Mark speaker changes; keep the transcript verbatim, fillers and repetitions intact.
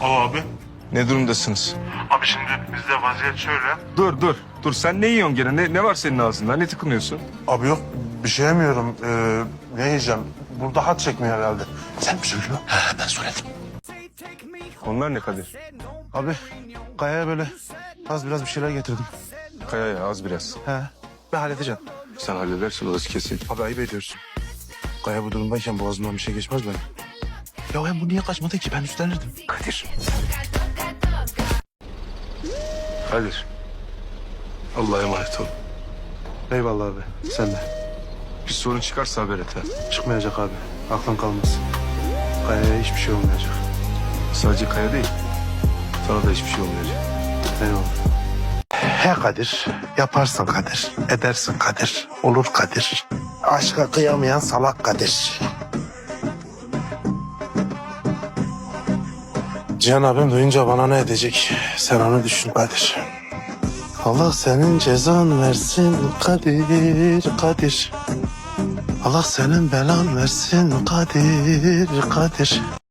Speaker 1: Al abi.
Speaker 2: Ne durumdasınız?
Speaker 1: Abi şimdi bizde vaziyet şöyle.
Speaker 2: Dur dur. Dur sen ne yiyorsun gene? Ne, ne var senin ağzında? Ne tıkınıyorsun?
Speaker 1: Abi yok bir şey yemiyorum. Ee, ne yiyeceğim? Burada hat çekmiyor herhalde. Sen mi söylüyorsun? He ben söyledim.
Speaker 2: Onlar ne Kadir?
Speaker 1: Abi Kaya'ya böyle az biraz bir şeyler getirdim.
Speaker 2: Kaya ya az biraz.
Speaker 1: He ben halledeceğim.
Speaker 2: Sen halledersin orası kesin.
Speaker 1: Abi ayıp ediyorsun. Kaya bu durumdayken boğazımdan bir şey geçmez benim. Ya hem bu niye kaçmadı ki? Ben üstlenirdim.
Speaker 2: Kadir. Kadir. Allah'a emanet ol.
Speaker 1: Eyvallah abi. Sen de.
Speaker 2: Bir sorun çıkarsa haber et ha.
Speaker 1: Çıkmayacak abi. Aklın kalmasın. Kaya'ya hiçbir şey olmayacak.
Speaker 2: Sadece Kaya değil. Sana da hiçbir şey olmayacak.
Speaker 1: Eyvallah. He Kadir. Yaparsın Kadir. Edersin Kadir. Olur Kadir. Aşka kıyamayan salak Kadir. Cihan abim duyunca bana ne edecek? Sen onu düşün Kadir. Allah senin cezan versin Kadir, Kadir. Allah senin belan versin Kadir, Kadir.